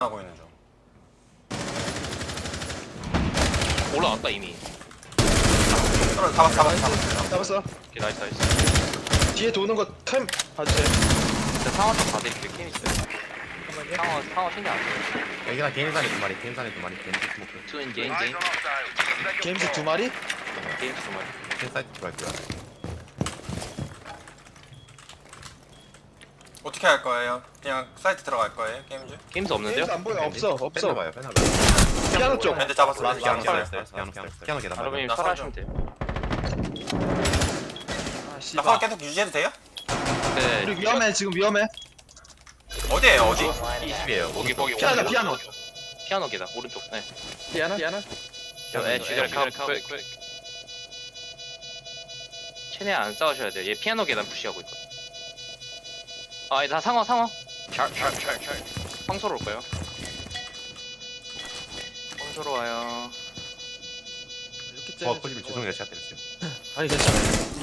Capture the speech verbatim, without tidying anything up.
하고 있는 중. 올라왔다 이미. 떨어 잡았어 잡았어 잡았어. 잡았어. 오케이 나이스 나이스. 뒤에 도는 거 템 봐주세요. 저 상어 좀 봐드릴게요. 게임 있어요. 상어 상어 신경 안 써요. 여기가 개인산에 두 마리, 개인산에 두 마리, 개인 스모크. 투인 게임 게임 게임즈 두 마리? 게임 두 마리. 개인 사이트 들어갈 거야. 어떻게 할 거예요? 그냥 사이트 들어갈 거예요? 게임즈? 게임스 없는데요? 게임즈 안 보여. 없어. 없어. 빼놔봐요, 빼놔봐요. 피아노 쪽. 밴드 잡았어. 라스 피아노 피아노 잡았어. 피아노 피아노 피아노 계단 여러분이 나 설하시면 돼요. 아 나 씨발. 파워 계속 유지해도 돼요? 네. 우리 위험해. 지금 위험해. 어디에요 어디? 이십이에요. 거기 거기 피아노, 오른쪽. 피아노. 피아노 계단 오른쪽. 네. 피아노? 피아노? 네, 주절 카운트. 최대한 안 싸우셔야 돼요. 얘 피아노 계단 푸시하고 있거든. 아, 다 상어 상어. 샬샬샬샬. 황소로 올 거예요. 황소로 와요. 이렇게 어, 거짓말 죄송해요, 제가 때렸어요. 아니 괜찮아.